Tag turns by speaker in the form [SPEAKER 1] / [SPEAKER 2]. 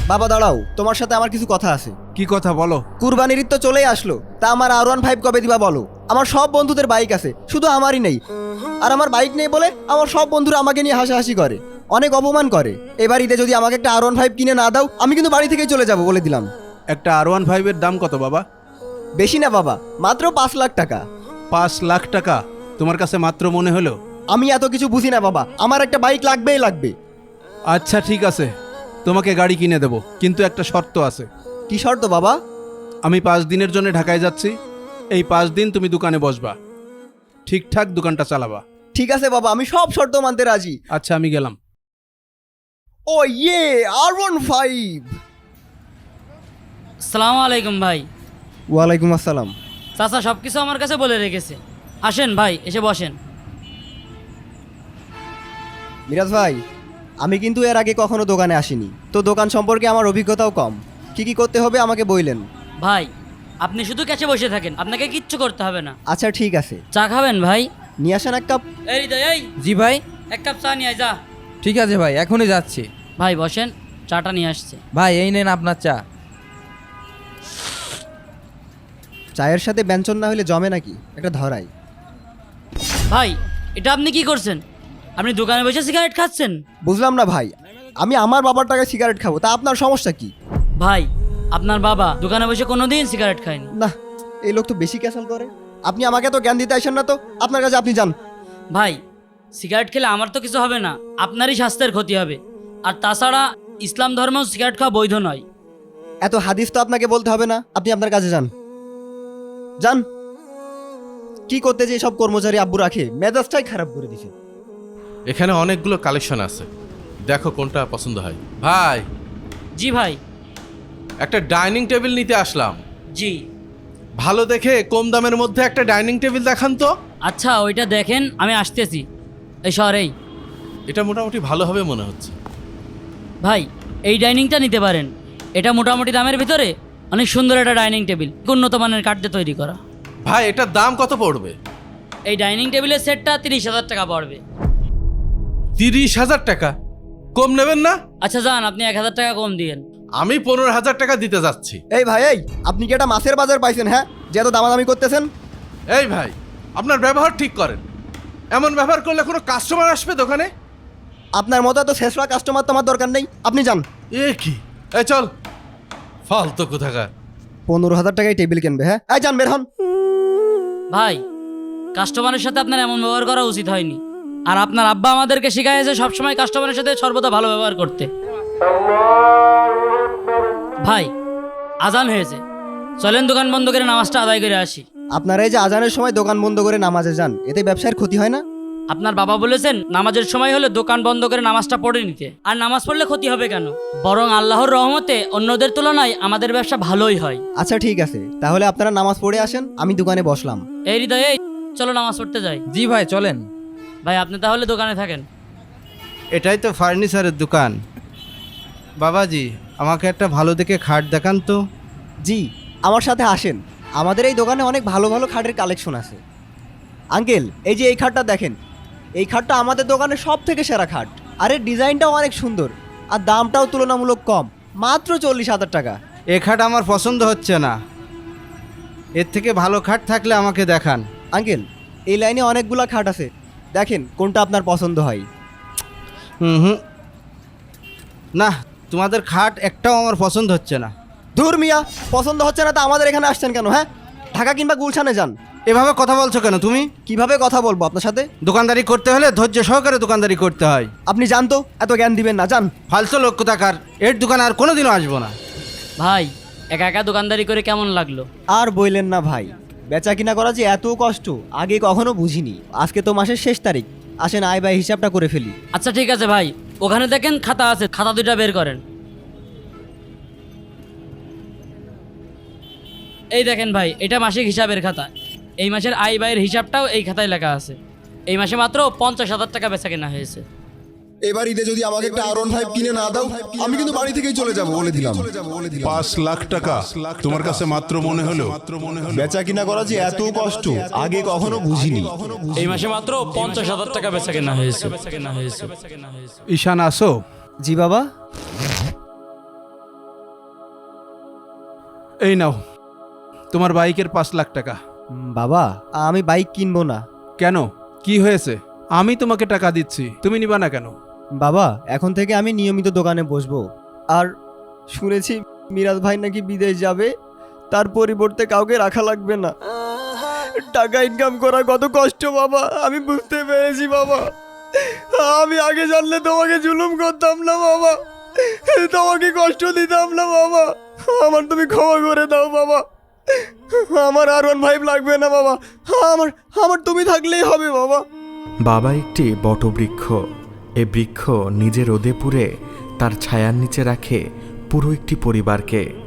[SPEAKER 1] বাবা দাঁড়াও, তোমার সাথে আমার কিছু কথা আছে।
[SPEAKER 2] কি কথা বলো?
[SPEAKER 1] কুরবানির ঈদ তো চলেই আসলো, তা আমার R15 কবে দিবা বলো? আমার সব বন্ধুদের বাইক আছে, শুধু আমারই নেই। আর আমার বাইক নেই বলে আমার সব বন্ধুরা আমাকে নিয়ে হাসাহাসি করে, অনেক অপমান করে। এবার ঈদে যদি আমাকে একটা R15 কিনে না দাও, আমি কিন্তু বাড়ি থেকেই চলে যাব বলে দিলাম।
[SPEAKER 2] একটা R15 এর দাম কত বাবা?
[SPEAKER 1] বেশি না বাবা, মাত্র 5 লাখ টাকা।
[SPEAKER 2] 5 লাখ টাকা তোমার কাছে মাত্র মনে হলো?
[SPEAKER 1] আমি এত কিছু বুঝি না বাবা, আমার একটা বাইক লাগবেই লাগবে।
[SPEAKER 2] আচ্ছা ঠিক আছে, তোমাকে গাড়ি কিনে দেব, কিন্তু একটা শর্ত আছে।
[SPEAKER 1] কি শর্ত বাবা?
[SPEAKER 2] আমি 5 দিনের জন্য ঢাকায় যাচ্ছি। এই 5 দিন তুমি দোকানে বসবা, ঠিকঠাক দোকানটা চালাবা।
[SPEAKER 1] ঠিক আছে বাবা, আমি সব শর্ত মানতে রাজি।
[SPEAKER 2] আচ্ছা আমি গেলাম।
[SPEAKER 1] ও ইয়ে, R15।
[SPEAKER 3] আসসালামু আলাইকুম ভাই।
[SPEAKER 1] ওয়ালাইকুম আসসালাম।
[SPEAKER 3] চাচা সব কিছু আমার কাছে বলে রেখেছে। আসেন ভাই, এসে বসেন।
[SPEAKER 1] মিরাজ ভাই, আমি কিন্তু এর আগে কখনো দোকানে আসিনি, তো দোকান সম্পর্কে আমার অভিজ্ঞতাও কম। কি কি করতে হবে আমাকে বললেন।
[SPEAKER 3] ভাই আপনি শুধু ক্যাচে বসে থাকেন, আপনাকে কিচ্ছু করতে হবে না।
[SPEAKER 1] আচ্ছা ঠিক আছে,
[SPEAKER 3] চা খাবেন ভাই?
[SPEAKER 1] নিয়ে আসেন এক কাপ।
[SPEAKER 3] এই হৃদয়, এই
[SPEAKER 4] জি ভাই।
[SPEAKER 3] এক কাপ চা নিয়ে আয়, যা।
[SPEAKER 4] ঠিক আছে ভাই, এখনই যাচ্ছি।
[SPEAKER 3] ভাই বসেন, চাটা নিয়ে আসছে।
[SPEAKER 4] ভাই এই নেন আপনার চা।
[SPEAKER 1] চায়ের সাথে ব্যঞ্জন না হলে জমে নাকি, একটা ধরাই।
[SPEAKER 3] ভাই এটা আপনি কি করছেন? আপনি দোকানে বসে সিগারেট খাচ্ছেন?
[SPEAKER 1] বুঝলাম না ভাই, আমি আমার বাবার টাকায় সিগারেট খাবো, তা আপনার সমস্যা কি?
[SPEAKER 3] ভাই আপনার বাবা দোকানে বসে কোনোদিন সিগারেট খায়নি।
[SPEAKER 1] না, এই লোক তো বেশি ক্যাসাল করে। আপনি আমাকে তো জ্ঞান দিতে আসেন না, তো আপনার কাছে আপনি যান।
[SPEAKER 3] ভাই সিগারেট খেলে আমার তো কিছু হবে না, আপনারই স্বাস্থ্যের ক্ষতি হবে। আর তাছাড়া ইসলাম ধর্মেও সিগারেট খাওয়া বৈধ নয়।
[SPEAKER 1] এত হাদিস তো আপনাকে বলতে হবে না, আপনি আপনার কাছে যান। যান। কি করতে যে সব কর্মচারী আব্বু রাখে, মেজাজটাই খারাপ করে দিছে।
[SPEAKER 5] এখানে অনেকগুলো কালেকশন আছে, দেখো কোনটা পছন্দ হয়। ভাই
[SPEAKER 3] জি ভাই।
[SPEAKER 5] একটা ডাইনিং টেবিল নিতে আসলাম।
[SPEAKER 3] জি
[SPEAKER 5] ভালো দেখে কম দামের মধ্যে একটা ডাইনিং টেবিল দেখান তো।
[SPEAKER 3] আচ্ছা ওইটা দেখেন, আমি আসতেছি এই শহরেই।
[SPEAKER 5] এটা মোটামুটি ভালো হবে মনে হচ্ছে।
[SPEAKER 3] ভাই এই ডাইনিংটা নিতে পারেন, এটা মোটামুটি দামের ভিতরে অনেক সুন্দর একটা ডাইনিং টেবিল, উন্নত মানের কাঠ দিয়ে তৈরি করা।
[SPEAKER 5] ভাই এটার দাম কত পড়বে?
[SPEAKER 3] এই ডাইনিং টেবিলের সেটটা 30,000 টাকা পড়বে।
[SPEAKER 5] 30,000 টাকা? কম নেবেন না?
[SPEAKER 3] আচ্ছা যান, আপনি 1,000 টাকা কম দিয়েন।
[SPEAKER 5] আমি 15,000 টাকা দিতে যাচ্ছি।
[SPEAKER 1] এই ভাই, এই আপনি কি একটা মাছের বাজার পাইছেন? হ্যাঁ, যে এত দামাদামি করতেছেন।
[SPEAKER 5] এই ভাই, আপনার ব্যবহার ঠিক করেন। এমন ব্যবহার করলে কোনো কাস্টমার আসবে দোকানে?
[SPEAKER 1] আপনার মতো এত শেষরা কাস্টমার তো আমার দরকার নেই, আপনি যান।
[SPEAKER 5] এ কি, এই চল, ফালতু কোথাকার।
[SPEAKER 1] 15,000 টাকায় টেবিল কিনবে? হ্যাঁ, এই যান, বের হন।
[SPEAKER 3] ভাই কাস্টমারের সাথে আপনার এমন ব্যবহার করা উচিত হয়নি। আর আপনার আব্বা আমাদেরকে শিখাইছে সবসময় কাস্টমারের সাথে সর্বদা ভালো ব্যবহার করতে। ভাই আজান হয়েছে, চলেন দোকান বন্ধ করে নামাজটা আদায় করে আসি।
[SPEAKER 1] আপনারা এই যে আজানের সময় দোকান বন্ধ করে নামাজে যান, এতে ব্যবসার ক্ষতি হয় না?
[SPEAKER 3] আপনার বাবা বলেছেন নামাজের সময় হলে দোকান বন্ধ করে নামাজটা পড়ে নিতে। আর নামাজ পড়লে ক্ষতি হবে কেন? বরং আল্লাহর রহমতে অন্যদের তুলনায় আমাদের ব্যবসা ভালোই হয়।
[SPEAKER 1] আচ্ছা ঠিক আছে, তাহলে আপনারা নামাজ পড়ে আসেন, আমি দোকানে বসলাম।
[SPEAKER 3] এই হৃদয়, এই চলো নামাজ পড়তে যাই।
[SPEAKER 4] জি ভাই চলেন।
[SPEAKER 3] ভাই আপনি তাহলে দোকানে থাকেন।
[SPEAKER 2] এটাই তো ফার্নিচারের দোকান। বাবাজি আমাকে একটা ভালো দেখে খাট দেখান তো।
[SPEAKER 1] জি, আমার সাথে আসেন, আমাদের এই দোকানে অনেক ভালো ভালো খাটের কালেকশন আছে। আঙ্কেল, এই যে এই খাটটা দেখেন, এই খাটটা আমাদের দোকানে সব থেকে সেরা খাট। আর এর ডিজাইনটাও অনেক সুন্দর, আর দামটাও তুলনামূলক কম, মাত্র 40,000 টাকা।
[SPEAKER 2] এ খাট আমার পছন্দ হচ্ছে না, এর থেকে ভালো খাট থাকলে আমাকে দেখান।
[SPEAKER 1] আঙ্কেল, এই লাইনে অনেকগুলা খাট আছে, দেখেন কোনটা আপনার পছন্দ হয়।
[SPEAKER 2] হুম, না, তোমাদের খাট একটাও আমার পছন্দ হচ্ছে না।
[SPEAKER 1] ধুর মিয়া, পছন্দ হচ্ছে না তা আমাদের এখানে আসছেন কেন? হ্যাঁ, ঢাকা কিংবা গুলশানে যান।
[SPEAKER 2] এভাবে কথা বলছো কেন তুমি?
[SPEAKER 1] কিভাবে কথা বলবো আপনার সাথে?
[SPEAKER 2] দোকানদারি করতে হলে ধৈর্য সহকারে দোকানদারি করতে হয়।
[SPEAKER 1] আপনি জান তো, এত জ্ঞান দিবেন না, যান।
[SPEAKER 2] ফালতু লোক কোথাকার, এর দোকানে আর কোনোদিনও আসবো না।
[SPEAKER 3] ভাই একা একা দোকানদারি করে কেমন লাগলো?
[SPEAKER 1] আর বইলেন না ভাই, বেচা কিনা করা যে এত কষ্ট আগে কখনো বুঝিনি। আজকে তো মাসের শেষ তারিখ, আসেন আয় ব্যয় হিসাবটা করে ফেলি।
[SPEAKER 3] আচ্ছা ঠিক আছে ভাই, ওখানে দেখেন খাতা আছে, খাতা দুইটা বের করেন। এই দেখেন ভাই, এটা মাসিক হিসাবের খাতা। এই মাসের আয় ব্যয়ের হিসাবটাও এই খাতায় লেখা আছে। এই মাসে মাত্র 50,000 টাকা বেচা কেনা হয়েছে।
[SPEAKER 6] এবার ঈদে যদি আমাকে একটা R15 কিনে না দাও, আমি কিন্তু বাড়ি থেকেই চলে যাব বলে দিলাম।
[SPEAKER 7] 5 লাখ টাকা তোমার কাছে মাত্র মনে হলো?
[SPEAKER 6] বেচা কিনা করা যে এত কষ্ট আগে কখনো বুঝিনি।
[SPEAKER 3] এই মাসে মাত্র 50,000 টাকা বেচা কেনা হয়েছে।
[SPEAKER 2] ঈশান আসো।
[SPEAKER 1] জি বাবা।
[SPEAKER 5] এই নাও তোমার বাইকের 5 লাখ টাকা।
[SPEAKER 1] বাবা আমি বাইক কিনবো না।
[SPEAKER 5] কেন, কি হয়েছে? আমি তোমাকে টাকা দিচ্ছি, তুমি নিবা না কেন?
[SPEAKER 1] বাবা এখন থেকে আমি নিয়মিত দোকানে বসবো। আর শুনেছি মিরাজ ভাই নাকি বিদেশ যাবে, তার পরিবর্তে কাউকে রাখা লাগবে না। টাকা ইনকাম করা কত কষ্ট বাবা, আমি বুঝতে পেরেছি বাবা। আমি আগে জানলে তোমাকে জুলুম করতাম না বাবা, তোমাকে কষ্ট দিতাম না বাবা। আমার তুমি ক্ষমা করে দাও বাবা। আমার আর1 ফাইভ লাগবে না বাবা, আমার আমার তুমি থাকলেই হবে বাবা।
[SPEAKER 8] বাবা একটি বটবৃক্ষ। এ বৃক্ষ নিজে রোদে পুড়ে তার ছায়ার নিচে রাখে পুরো একটি পরিবারকে।